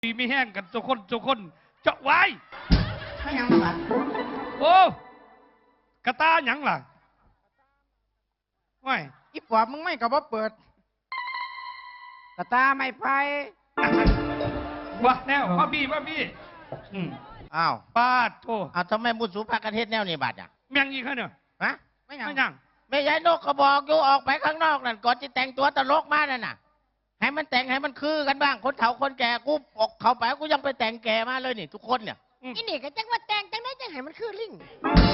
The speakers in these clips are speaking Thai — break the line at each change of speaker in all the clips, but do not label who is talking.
ดีไม่แห้งกันทุกคนเจาะไว้
ไม่ยังหลับ
โอ้กระตาหยังล่ะไม่
อีปอบมึงไม่กับว่าเปิดกระตาไม่ไป
ว่าแนวว่าพี่
อ้าว
ป้าโท
เอาทำไมมุสุภากันเทศแนวนี่บาดอ่ะ
เมียงอีกเนี่ย
ฮะ
ไม่ยัง
ไม่ยายนกก็บอกอยู่ออกไปข้างนอกนั่นก่อนจะแต่งตัวตลกมานั่นน่ะให้มันแต่งให้มันคือกันบ้างคนเฒ่าคนแก่กูออกเขาไปกูยังไปแต่งแก่มาเลยนี่ทุกคนเนี่ย
อีนี่ก็จังว่าแต่งจังได้จังให้มันคือลิง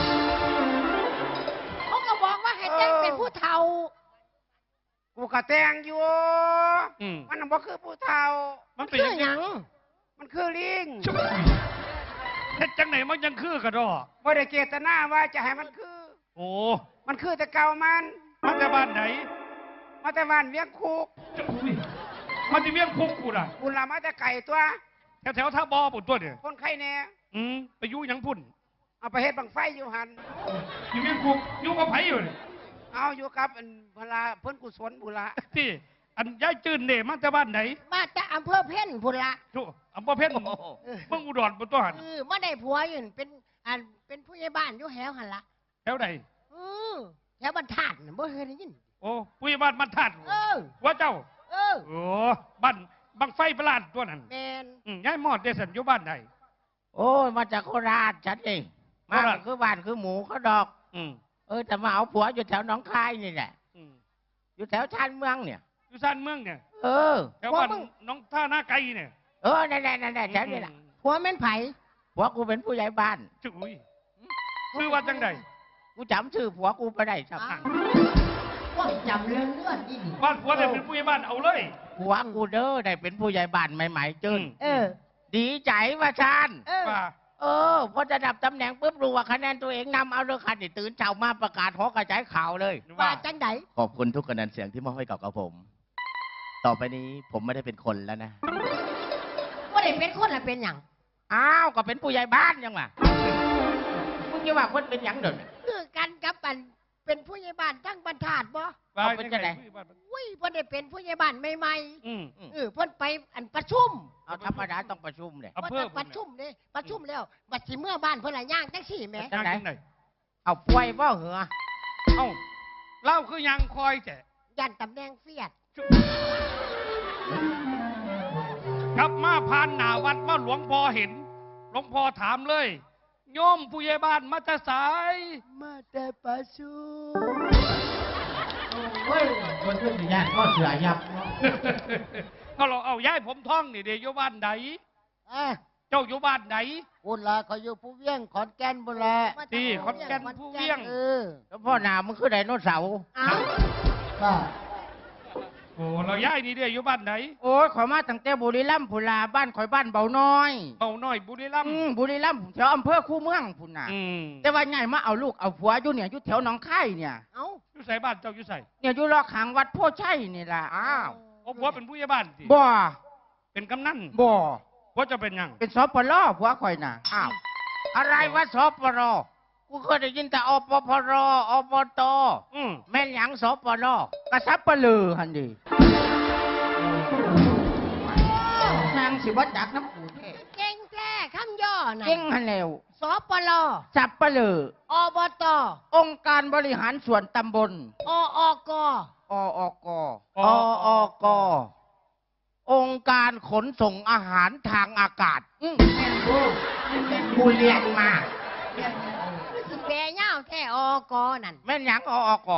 เขาก็บอกว่าให้แต่งเป็นผู้เฒ่า
กูกระแตงอยู่มันบอกคือผู้เฒ่า
มันเป็น
หยัง
มันคือลิง
เฮ็ดจังไหนมันยังคือกระดอ
บ่ได้เจตนาว่าจะให้มันคือ
โอ้
มันคือแต่เก่ามัน
มาแต่บ้านไหน
มาแต่บ้านเวียงคุก
มาที่เวียงคุกกูล่ะ
กูละมาแต่ไก่ตัว
แถวท่าบอปุ่นตัวเนี่ย
คนไข้เนี่ย
ไปยุ่ยังพุ่น
เอาไปเฮ็ดบังไฟอยู่หัน
อยู่เวียงคุกยุ่กับไผอยู่เนี่ย
เอาอยู่กับพลาเพิ่นกุศลบุระ
ที่อันย้ายจืนเนี่ยมาแต่บ้านไหน
มาจากอำเภอเพ่นพุ่นละ
ทุอำเภอเพ่นเมืองอุดรบนตัวหัน
มาได้ผัวอยู่เป็นผู้ใหญ่บ้านอยู่แถวหันละ
แถวไหน
แถวบรรทัดบ่เคยได้ยิน
โอ้ผู้ใหญ่บ้านบรรทัดว่าเจ้าโอ้บ้านบังไฟประหลาดตัวนั้น
แมน
ย้ายมอดเดสันอยู่บ้านไหน
โอ้มาจากโคราชชัดเองมาคือบ้านคือหมูเขาดอกแต่มาเอาผัวอยู่แถวหนองคายนี่แหละอยู่แถวชานเมืองเนี่ย
อยู่ชานเมืองเนี่ยแถวบ้านน้องท่าหน้าไก่เนี่ย
นั่นแถวนี้แหละ
ผัวแม่นไผ่
ผัวกูเป็นผู้ใหญ่บ้าน
จุ้ยชื่อว่าจังใด
กูจำชื่อผัวกูไปได้ครับ
ว่าจำเรื่องเลือดนี่
บ้านผัวได้เป็นผู้ใหญ่บ้านเอาเลย
ผัวกูเด้อได้เป็นผู้ใหญ่บ้านใหม่ๆจื้นดีใจว่าชาญพอจะดับตำแหน่งปุ๊บรู้ว่าคะแนนตัวเองนำเอาเลยค่ะนี่ตื่นเช้ามาประกาศหอกระจายข่าวเลย
ว่าจังได
ขอบคุณทุกคะแนนเสียงที่มอบให้กับผม ต่อไปนี้ผมไม่ได้เป็นคนแล้วนะ
ว่าได้เป็นคนแล้วเป็นอย่าง
อ้าวก็เป็นผู้ใหญ่บ้านยังวะมึงจะว่าคนเป็นอย่างเดิม
คือกันกับเป็นผู้ใหญ่บ้านทั้งบรรทัดบ่
เอาเป็นจะไหน
อุ้ยเพิ่นได้เป็นผู้ใหญ่บ้านใหม่ๆเพิ่นไปประชุม
เอาธรรมดาต้องประชุมเลย
เพิ่นประชุมนี่ประชุมแล้วบัดสิเมื่อบ้านเพิ่นละย่างจังซี่แหม
จังไหน
เอาป่วยบ่เหรอ
เอ้าเล่าคือยังคอยแต่
ยันตำแหน่งเฟียด
กลับมาผ่านหน้าวัดมาหลวงพ่อเห็นหลวงพ่อถามเลยโยมผู้ใหญ่บ้านมาแต่สาย
มาแต่ประชุม
เฮ้ยคนที่สิญาติก็เสือยับ
ก็เราเอาย้ายผมท่องนี่เดี๋ยวอยู่บ้านไหนเจ้าอยู่บ้านไหน
บุญละเขาอยู่ผู้เวียงขอนแก่นบุญละ
ที่ขอนแก่นผู้เวียง
แล้วพ่อหนามันคือไดโนเสาร์
โอ้เราย้ายนี่เดี๋ยวอยู่บ้านไหน
โอ้ยขอมาตั้งแต่บุรีรัมย์พุลาบ้านข่อยบ้านเบาน้อย
บุรีรัมย์
แถวอำเภอคูเมืองพุ่นน่ะแต่ว่าไงมาเอาลูกเอาผัวอยู่เนี่ยอยู่แถวหนองคายเนี่ย
อยู่ใส่บ้านเจ้าอยู่ใส่
เนี่ยอยู่รอขังวัดโพชัยนี่แหละอ้าว
ผัวเป็นผู้ใหญ่บ้านสิ
บ่
เป็นกำนัน
บ่
ผัวจะเป็นยัง
เป็นสปลผัวข่อยน่ะอ้าวอะไรวะสปลกูเคยได้ยินแต่อปพรอบตแม่นหยังสปลกระซับปลือหันดีนางสิวัดจักน้ำปูแท้
เก่งแท้คำย่อน่ะ
เก่งหันแล้ว
สปล
สับปลือ
อบต
องค์การบริหารส่วนตำบล
ออก
องค์การขนส่งอาหารทางอากาศกูเรียนมา
สิแปลยาวแท้อกนั่น
แม่นหยังออก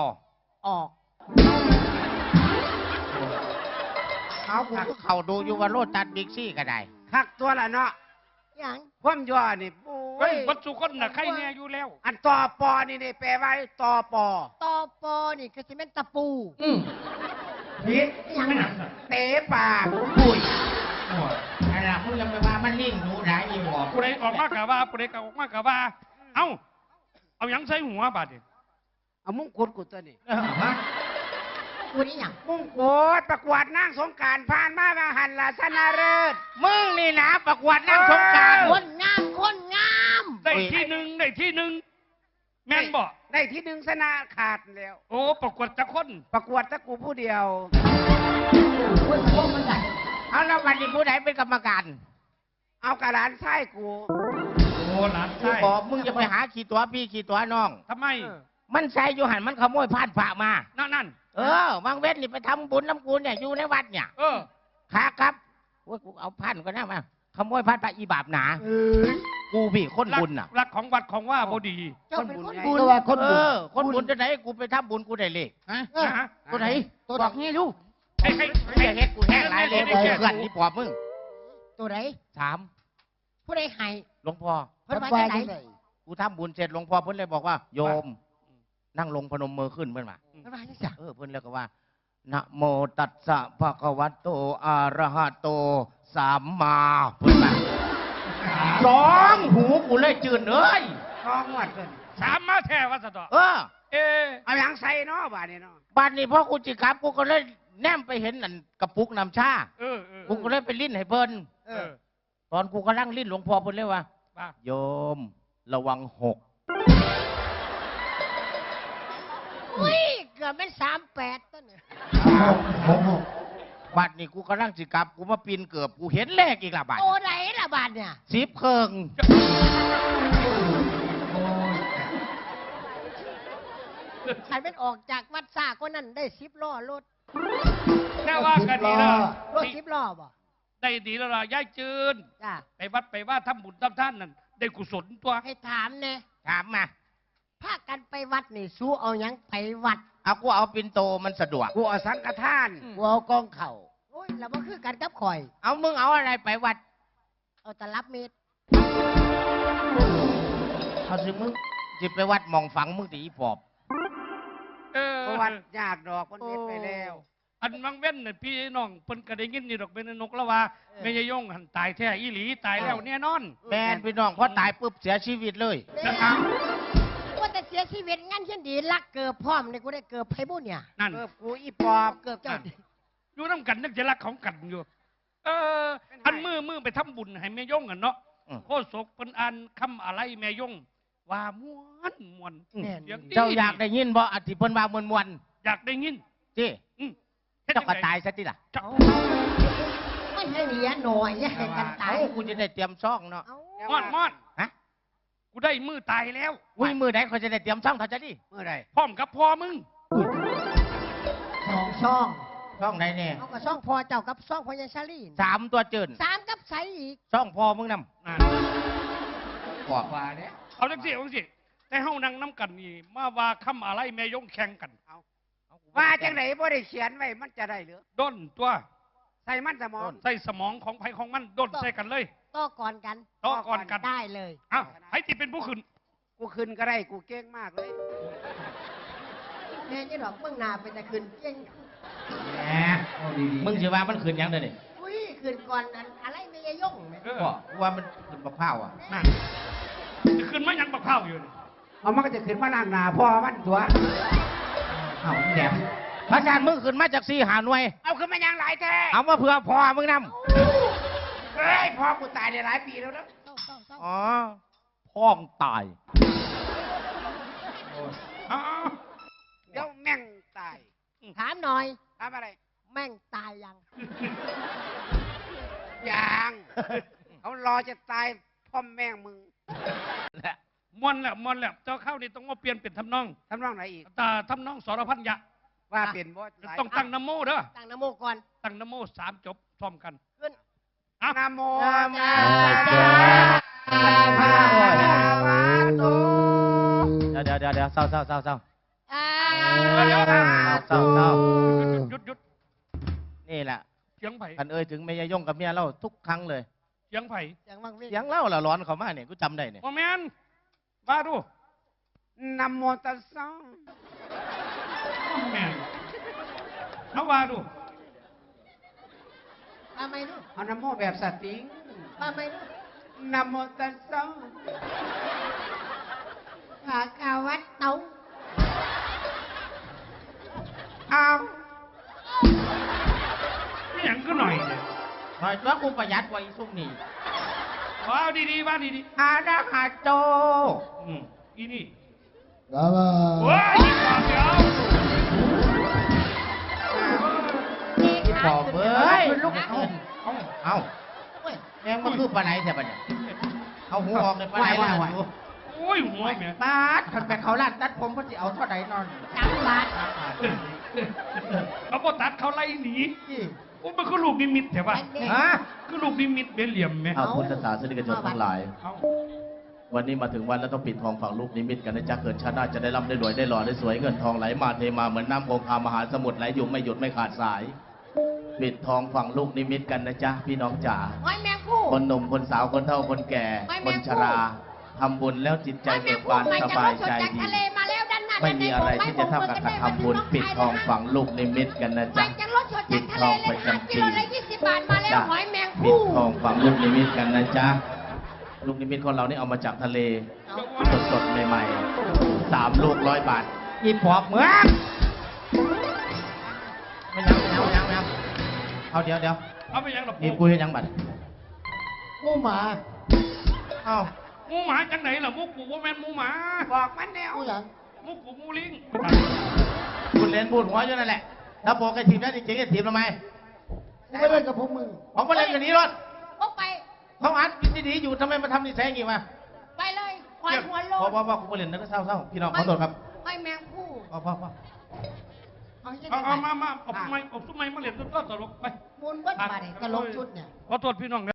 เขาดูอยู่ว่าโรดตัดบิ๊กซี่ก็ได้
คักตัวละเนาะ
อย่าง
ความย่อนี่
โอ้ยวัดสุคนน่ะใครเนี่ยอยู่แล้ว
อันตอปอนี่แปลว่าตอป
อนี่ก็สิเป็นตะปู
ผิดเตะปาก
ปุ้ยอะไรมึงยังไปว่ามันลิ่งหนูไหนอีกบอก
กูได้ออกมากะว่ากูได้ออกมากะว่าเอายังใส่หัวบาดดิ
เอามุ้งกุดกูตัวนี้
กูนี่อย่าง
มุ้งกุดประกวดนางสงการผ่านมาหันลาชนะเลิศ
มึงนี่นะประกวดนางสงการ
คนงาม
ได้ที่หนึ่งแม่นบ่
ได้ที่หนึ่งชนะขาดแล้ว
โอ้ประกวดจะคน
ประกวดตะกูผู้เดียว
เอาแล้ววันนี้ผู้ไหนเป็นกรรมการ
เอากระดานไส้กู
โอ้หลาน
กู
ใช่
บอกมึงจะไปหาขี่ตัวพี่ขี่ตัวน้อง
ทำไม
มันใส่อยู่หันมันขโมยพานพระมา
นั่น
บางเว้นนี่ไปทำบุญน้ำกูเนี่ยอยู่ในวัดเนี่ย ขาครับโอ้ยกูเอาพันก็ได้มาขโมยพันพระอีบาปหนากูพี่คนบุญน่ะ
รักของวัดของว่าบดี
เจ้าเป็นคน
ไง
บุญ
ตัวคนบุญ
คนบุญจะไหนกูไปทำบุญกูได้เลข
นะฮะ
ตัวไหน
ตัวบอกงี้ลูก
ให้
ไม่ได้เฮ็ดกูแห้งหลายเลยเพื่อนที่ปอบมึง
ตัวไหน
ถาม
ผู้ใดให้
หลวงพ่อ
เพิ่นมา
ว่า
จากไหน
จังได
กูทำบุญเสร็จหลวงพ่อเพิ่นเลยบอกว่าโยม นั่งลงพนมมือขึ้นเพิ่นว่า
เพิ่นมาจังซั่น
เพิ่นแล้วก็ว่านะโมตัสสะภะคะวะโตอะระหะโตสัมมาเพิ่นว่าสองหูกูเลยจืดเอ้ย
ท้องวัดเพิ่น
สามมาแท้วัดสะดอก
เออ
เอะ
เอาหยังใส่เนาะบาดนี้เนาะ
บัดนี้พ่อกูจิกลับกูก็เลยแนมไปเห็นนั่นกระปุกน้ำชา
เออ
กูก็เลยไปลิ้นให้เพิ่น
เออ
ตอนกูกำลังลิ้นหลวงพ่อเพิ่นเลยว่า
ว่า
โยมระวังหก
อุ้ยเกือบเป็น38ต้นเนี่ย
บัดนี้กูกำลังจิกลับกูมาปีนเกือบกูเห็นเลขอีกละบัด
ตัวไหนล่ะบาดเนี่ย
10เคิง
ใครเป็นออกจากวัดซ่าก็นั่นได้10ล้อรถ
แค่ว่ากันดีแล้ว
รถ10ล้อบ่
ได้ดีแล้วล่ะย่ายจืน
จ้า
ไปวัดไปว่าทำบุญทำท่านนั่นได้กุศลตัว
ให้ถามแน่
ถามมา
พากันไปวัดนี่สู้เอาหยังไปวัด
เอากูเอาปินโตมันสะดวก
กูเอาสังฆทาน
กูเอากองเข่า
โอ้ยแล้วบ่คือกันกับข่อย
เอามึงเอาอะไรไปวัด
เอาตลับเม็ด
เอาสิมึงจิไปวัดหมองฝังมึงตีอีปอบ
ประวัติยากดอกมันเฮ็ดไปแล้ว
อันวังเว้นน่ะพี่น้องเพิ่นก็ได้ยินนี่ดอกเป็นนกแล้วว่าแม่ยายยงหันตายแท้อีหลีตายแล้วแน่นอน
แม่นพี่น้องพอตายปุ๊บเสียชีวิตเลย
นะครับ
ว่าแต่เสียชีวิตงั้นเช่นดีลักเกิบพร้อมนี่กูได้เกิบไผบุญเนี่ย
นั่น
เกิบกูอีปอบ
เกิบเจ้า
อยู่น้ำกันนักจะรักของกันอยู่ อันมือไปทำบุญให้แม่ยงกันเนาะ
อืม
โคศกเป็นอันคำอะไรแม่ยง ว่าม้วนเสียงดี
เจ้าอยากได้ยินบ่อธิเพิ่นว่ามวน
อยากได้ยิน
ๆจี
อืม
เจ้าก็ตายซะติล่ะ
เจ้า
ไม่ให้เหลียหน่อยอย่าให้กันตาย
เอ้ากูจะได้เตรียมซ่องเนาะ
เอา
มอด
ฮะ
กูได้มือตายแล้ว
อุ้ยมือไหนเขาจะได้เตรียมซ่องเขาจะดิ
เมื่อไร
พร้อมกับพ่อมึง
สองช่อง
ซ่องไหนเนี่ย
เอากับช่องพอเจ้ากับช่องพญาชาลี
3ตัวเจิน
3กับใสอีก
ซ่องพ่อมึงน
อ่า
ำบอกว่าเนี่ย
เอาจังสิแต่เฮานั่งน้ำกันนี่มาว่าคำอะไรแม่ยงแข่งกัน
ว่าจังไหนบ่ได้เขียนไว้มันจะได้หรือ
ด้นตัว
ใส่มันสมอง
ใส่สมองของไผของมันด้นใส่กันเลย
ต่อก่อนกัน
ต่อก่อนกัน
ได้เลย
อ้าวไผที่เป็นผู้ขึ้น
กูขึ้นก็ได้กูเก่งมากเลย
แม่นี่ดอกเมืองนาเป็นตะคืนเก่ง
แหมมึงสิว่ามันขืนหยังเด้อนี่
อุ้ยคืนก่อนนั้นอะไรไม่ยงไหม
บอกว่ามันขืนบักพร้าวอ่ะ
นั่นจะขึ้นมายังบักข้าวอยู่นี่
เอามันก็จะขึ้นมาล่างหนาพ่อมันตัว
เอ้าแหนมพระอาจารย์มึงขืนมาจาก4 หาหน่วย
เอาขึ้นมายังหลายแท้
เอามาเพื่อพ่อมึงนำ
เฮ้ยพ่อกูตายได้หลายปีแล้วนะ
เศร้าเศร้าเศร้า
อ๋อพ่องตาย
อ้าว
เดี๋ยวแม่งตาย
ถามหน่อย
ทำอะไร
แม่งตายยัง
ยังเขารอจะตายพ่อแม่งมึง
มวนแล้วเจ้าเข้านี่ต้องมาเปลี่ยนเป็นทำนอง
ทำนองไหนอีก
แต่ทำนองสรพันยะ
ว่าเป็นบ่หลาย
ต้องตั้งนโมเด้อ
ตั้งนโมก่อน
ตั้งนโม3 จบพร้อมกัน
ขึ้น
อ่ะ
นะโม
นะโม
พระวาโต
เดี๋ยวเศร้า
อ่า
เศร้า
หยุด
นี่แหละ
เสียงไผ่
กันถึงเมียยงกับเมียเราทุกครั้งเลย
เสียงไผ่
เสียงวังเวง
เสียงเล่าละร้อนเขามาเนี่ยกูจำได้เนี่ย
โมแมนว่าดู
นะโมตัสสะ
แมนเขาว่าดู
มาไหมลูก
เอานะโมแบบสติง
มาไหมลูก
นะโมตัสสะ
ขากาวัดเตา
เอา
นี่อย่างก็หน่อยเนี่ย
หน่อยว่ากูประหยัดกว่าอีซุกนี่
ว่าดีๆว่าดี
อาดาหาโจ
ๆอีนี่
บ้าบ้า
โอ้ยอีกความเดียว
พี่ปอบเอ้ย
ลูก
เอา
เว้ย
แม่งมันคือปลาไหลแต่ปะเนี่ยเอาหูออกเลยปลาไหลแล้วอยู่
โอ้ยหัวแม่
บาดขันไปเขาลาดตัดผมเพอจะเอาเท่าไหร่นอน
3 บาท
เอาบ่ตัดเขาไล่หนีโอ้มันคือลูกนิมิตใช่ปะ
ฮะ
คือลูกนิมิตเป็นเหลี่ยมไหม
เอาพุทธศาสนิกชนทั้งหลาย
เอา
วันนี้มาถึงวันแล้วต้องปิดทองฝั่งลูกนิมิตกันนะจ๊ะเกิดชาติหน้าจะได้ร่ำได้รวยได้หล่อได้สวยเงินทองไหลมาเทมาเหมือนน้ำคงคามหาสมุทรไหลอยู่ไม่หยุดไม่ขาดสาย ปิดทองฝั่งลูกนิมิตกันนะจ๊ะพี่น้องจ๋า
หอยแมงผู้
คนหนุ่มคนสาวคนเฒ่าคนแก่
ไม่
ค
แม่
น
ง
ชราทำบุญแล้วจิตใจ
หอยแม
เบิ
ง
ก
ผู้
บาน
มา
ส
จาก
บาย
รถสด
ใจ
จาก
ดี
ทะเลมาแล้วด้านหน้า
ไม่มีอะไรที่จะเท่ากับการทำบุญปิดทองฝั่งลูกนิมิตกันนะ
มา
จ๊ะ
จากรถสดจากทะเลเลย5 กิโลละ20 บาทมาแล้ว
จ้ะ
หอยแมง
ปิ
ผู้
ดทองฝั่งลูกนิมิตกันนะจ๊ะลูกนิมิตของเรานี่เอามาจากทะเลสดๆใหม่ๆ3 ลูก100 บาท
อีปอบเหมืองไม่ยังเอาเดี๋ยว
เอาไปยังหรอ
นี่
ปู
กูเห็นยังบัด
งูหมา
เอา
หมูหมาจังไหนล่ะมุกปูว่าแม่นหมูหมา
บอกมันแล้ว
งูหยัง
มุกปูหมูลิง
คุณเล่นพูดหัวอยู่นั่นแหละถ้าบอกไอ้ทีมนั้นจริงๆไอ้ทีมทำไม
กูไม่เล่นกับพวกมึง
ผมมาเล่นกันนี้รถ
ก็ไป
เขาอัดวิธีดีอยู่ทำไมมาทำนิสัยอย่างนี้มา
ไปเลยหอยหัวโล
พ่อกูมาเล่นนั่นก็เศร้าพี่น้องขอโทษครับ
หอยแมงผู้
พ่อ
เอาให้
เอา
ได้
มาเอาทำไมมาเล่นต้นตลกไป
มูลเบิ้ลบาทตลกชุดเนี่ย
ขอโทษพี่น้อง